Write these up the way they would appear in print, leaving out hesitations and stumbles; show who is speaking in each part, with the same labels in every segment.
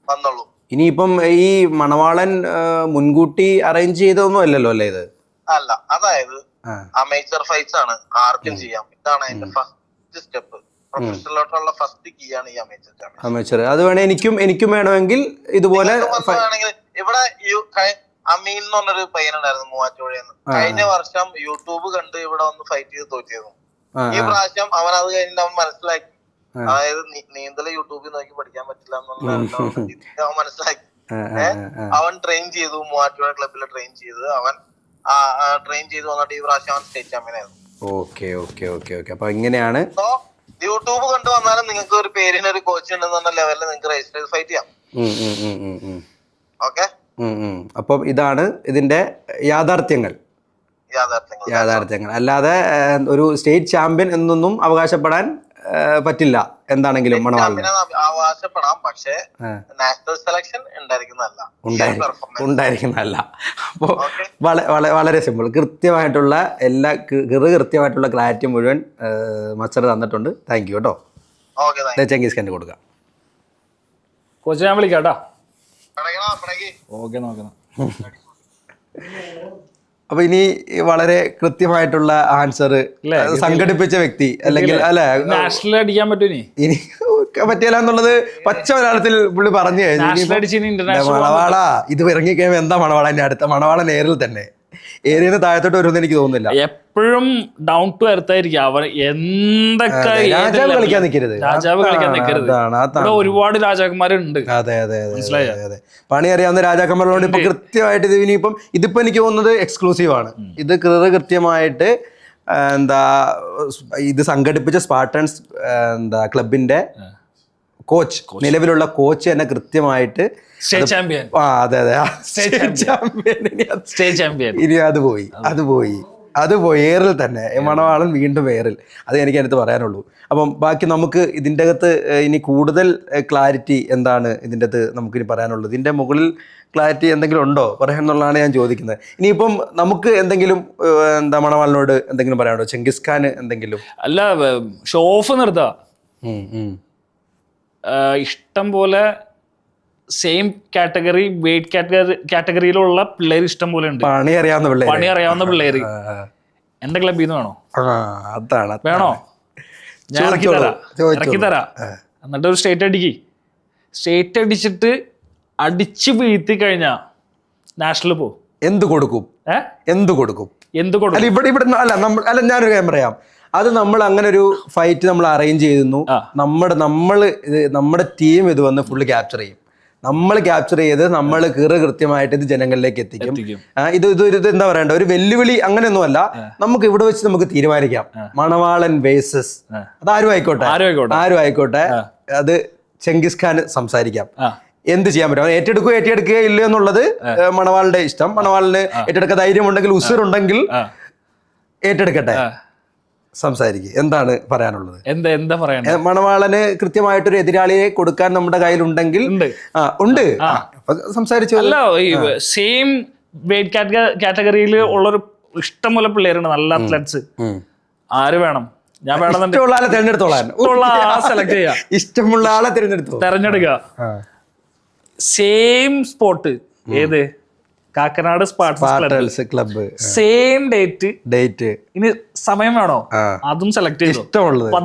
Speaker 1: വന്നുള്ളൂ.
Speaker 2: ഇനിയിപ്പം ഈ മണവാളൻ മുൻകൂട്ടി അറേഞ്ച് ചെയ്തൊന്നും അല്ലല്ലോ അല്ലേ ഇത്?
Speaker 1: അല്ല, അതായത് അമേച്ചർ ഫൈറ്റ്സ് ആണ്, ആർക്കും ചെയ്യാം. ഇതാണ് അതിന്റെ ഫസ്റ്റ് സ്റ്റെപ്പ്. പ്രൊഫഷണലോട്ടുള്ള ഫസ്റ്റ് കീ ആണ് ഈ
Speaker 2: അമേച്ചർ. അത് വേണേ എനിക്കും വേണമെങ്കിൽ ഇതുപോലെ
Speaker 1: വേണമെങ്കിൽ. ഇവിടെ അമീൻ എന്ന് പറഞ്ഞൊരു പയ്യനുണ്ടായിരുന്നു മൂവാറ്റുപുഴയെന്ന്. കഴിഞ്ഞ വർഷം യൂട്യൂബ് കണ്ട് ഇവിടെ വന്ന് ഫൈറ്റ് ചെയ്ത് തോറ്റിരുന്നു. ഈ പ്രാവശ്യം അവൻ അത് കഴിഞ്ഞിട്ട് അവൻ മനസ്സിലാക്കി, അതായത് നീന്തൽ യൂട്യൂബിൽ നോക്കി പഠിക്കാൻ പറ്റില്ല എന്നുള്ള അവൻ മനസ്സിലാക്കി. അവൻ ട്രെയിൻ ചെയ്തു, മൂവാറ്റുപുഴ ക്ലബിൽ ട്രെയിൻ ചെയ്ത് അവൻ ട്രെയിൻ ചെയ്ത് വന്നിട്ട് ഈ പ്രാവശ്യം അവൻ സ്റ്റേറ്റ് ചാമ്പ്യനായിരുന്നു.
Speaker 2: Okay okay okay okay. അപ്പൊ ഇങ്ങനെയാണ്
Speaker 1: യൂട്യൂബ് കണ്ടു വന്നാലും നിങ്ങൾക്ക് ഒരു പേരിന് ഒരു കോച്ച് ഉണ്ടെന്ന ലെവലിൽ നിങ്ങൾക്ക് രജിസ്റ്റർ ചെയ്ത് ഫൈറ്റ് ചെയ്യാം. ഓക്കെ.
Speaker 2: അപ്പൊ ഇതാണ് ഇതിന്റെ യാഥാർത്ഥ്യങ്ങൾ. അല്ലാതെ ഒരു സ്റ്റേറ്റ് ചാമ്പ്യൻ എന്നൊന്നും അവകാശപ്പെടാൻ പറ്റില്ല. എന്താണെങ്കിലും
Speaker 1: അവകാശപ്പെടാം, പക്ഷേ നാഷണൽ സെലക്ഷൻ
Speaker 2: ഉണ്ടായിരിക്കുന്നതല്ല. അപ്പോൾ വളരെ സിമ്പിൾ, കൃത്യമായിട്ടുള്ള എല്ലാ കൃത്യമായിട്ടുള്ള ക്ലാരിറ്റി മുഴുവൻ മസ്റ്റർ തന്നിട്ടുണ്ട്. താങ്ക് യു കേട്ടോ. ചെങ്കീസ് ഖാന് കൊടുക്കാം.
Speaker 3: കോച്ച് ഞാൻ വിളിക്കാം കേട്ടോ. ഓക്കെ, നോക്കണം.
Speaker 2: അപ്പൊ ഇനി വളരെ കൃത്യമായിട്ടുള്ള ആൻസർ സംഘടിപ്പിച്ച വ്യക്തി അല്ലെങ്കിൽ
Speaker 3: നാഷണൽ അടിക്കാൻ പറ്റൂനി
Speaker 2: ഇനി പറ്റിയല്ല എന്നുള്ളത് പച്ച മലയാളത്തിൽ പുള്ളി പറഞ്ഞു കഴിഞ്ഞു. മണവാള ഇത് ഇറങ്ങിക്കഴിയുമ്പോ എന്താ മണവാളന്റെ അടുത്ത മണവാള നേരിൽ തന്നെ ഏരിയന്ന് താഴത്തോട്ട് വരുമെന്ന് എനിക്ക് തോന്നുന്നില്ല.
Speaker 3: എപ്പോഴും ഡൗൺ ടു എർത്ത് ആയിരിക്കും അവർ. എന്തൊക്കെ
Speaker 2: രാജാവ് കളിക്കാൻ നിൽക്കരുത്,
Speaker 3: ഒരുപാട് രാജാക്കന്മാരുണ്ട്.
Speaker 2: അതെ അതെ അതെ അതെ. പണി അറിയാവുന്ന രാജാക്കന്മാരോട് ഇപ്പൊ കൃത്യമായിട്ട് ഇത് ഇനിയിപ്പം ഇതിപ്പോ എനിക്ക് തോന്നുന്നത് എക്സ്ക്ലൂസീവ് ആണ്. ഇത് കൃത്യമായിട്ട് ഇത് സംഘടിപ്പിച്ച സ്പാർട്ടൻസ് ക്ലബിന്റെ കോച്ച്, നിലവിലുള്ള കോച്ച് തന്നെ കൃത്യമായിട്ട് അതെ അതെ ഇനി അത് പോയി ഏറിൽ തന്നെ മണവാളൻ വീണ്ടും ഏറിൽ. അത് എനിക്ക് അതിനകത്ത് പറയാനുള്ളൂ. അപ്പം ബാക്കി നമുക്ക് ഇതിൻ്റെ അകത്ത് ഇനി കൂടുതൽ ക്ലാരിറ്റി എന്താണ് ഇതിൻ്റെ അകത്ത് നമുക്കിനി പറയാനുള്ളത്? ഇതിൻ്റെ മുകളിൽ ക്ലാരിറ്റി എന്തെങ്കിലും ഉണ്ടോ പറയാന്നുള്ളതാണ് ഞാൻ ചോദിക്കുന്നത്. ഇനിയിപ്പം നമുക്ക് എന്തെങ്കിലും മണവാളിനോട് എന്തെങ്കിലും പറയാനുണ്ടോ? ചെങ്കിസ് ഖാൻ എന്തെങ്കിലും?
Speaker 3: അല്ല, ഷോ ഓഫ് നിർത്താ. ഇഷ്ടം പോലെ സെയിം കാറ്റഗറി വെയിറ്റ് കാറ്റഗറിയിലുള്ള പിള്ളേർ ഇഷ്ടം പോലെ ഉണ്ട്.
Speaker 2: പണി
Speaker 3: അറിയാവുന്ന പിള്ളേര് എന്റെ ക്ലബിൽ നിന്ന് വേണോ?
Speaker 2: അതാണ്
Speaker 3: വേണോ? ഞാൻ ഇറക്കി തരാം. എന്നിട്ട് ഒരു സ്റ്റേറ്റ് അടിച്ചിട്ട് അടിച്ചു വീഴ്ത്തി കഴിഞ്ഞാ നാഷണൽ പോ.
Speaker 2: എന്ത് കൊടുക്കും? അല്ല ഞാനൊരു കാര്യം പറയാം. അത് നമ്മൾ അങ്ങനെ ഒരു ഫൈറ്റ് നമ്മൾ അറേഞ്ച് ചെയ്യുന്നു. നമ്മുടെ ടീം ഇത് വന്ന് ഫുള്ള് ക്യാപ്ചർ ചെയ്യും. നമ്മൾ ക്യാപ്ചർ ചെയ്ത് നമ്മൾ കൃത്യമായിട്ട് ഇത് ജനങ്ങളിലേക്ക് എത്തിക്കും. ഇത് എന്താ പറയണ്ട, ഒരു വെല്ലുവിളി അങ്ങനെയൊന്നുമല്ല. നമുക്ക് ഇവിടെ വെച്ച് നമുക്ക് തീരുമാനിക്കാം. മണവാളൻ വേഴ്സസ് അതാരും ആയിക്കോട്ടെ അത് ചെങ്കിസ് ഖാൻ സംസാരിക്കാം. എന്ത് ചെയ്യാൻ പറ്റും, ഏറ്റെടുക്കുക ഇല്ലയോ എന്നുള്ളത് മണവാളിന്റെ ഇഷ്ടം. മണവാളിന് ഏറ്റെടുക്കാൻ ധൈര്യമുണ്ടെങ്കിൽ, ഉസിറുണ്ടെങ്കിൽ ഏറ്റെടുക്കട്ടെ, സംസാരിക്കുക. എന്താണ് പറയാനുള്ളത്?
Speaker 3: എന്താ പറയാ?
Speaker 2: മണവാളന് കൃത്യമായിട്ടൊരു എതിരാളിയെ കൊടുക്കാൻ നമ്മുടെ കയ്യിലുണ്ടെങ്കിൽ ഉണ്ട്, സംസാരിച്ചു.
Speaker 3: അല്ല, സെയിം വെയിറ്റ് കാറ്റഗറിയിൽ ഉള്ളൊരു ഇഷ്ടംപോലെ പിള്ളേരുണ്ട്, നല്ല അത്ലറ്റ്സ്. ആര് വേണം? ഞാൻ
Speaker 2: ഇഷ്ടമുള്ള ആളെ ഇഷ്ടമുള്ള ആളെ
Speaker 3: തെരഞ്ഞെടുക്കുക. സെയിം സ്പോട്ട്, ഏത്? Kakkanad spartans club. Same date. ഇനി സമയം വേണോ? അതും സെലക്ട് ചെയ്തോ.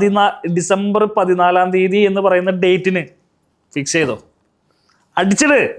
Speaker 3: ഡിസംബർ 14 എന്ന് പറയുന്ന ഡേറ്റിന് ഫിക്സ് ചെയ്തോ. അടിച്ചിട്.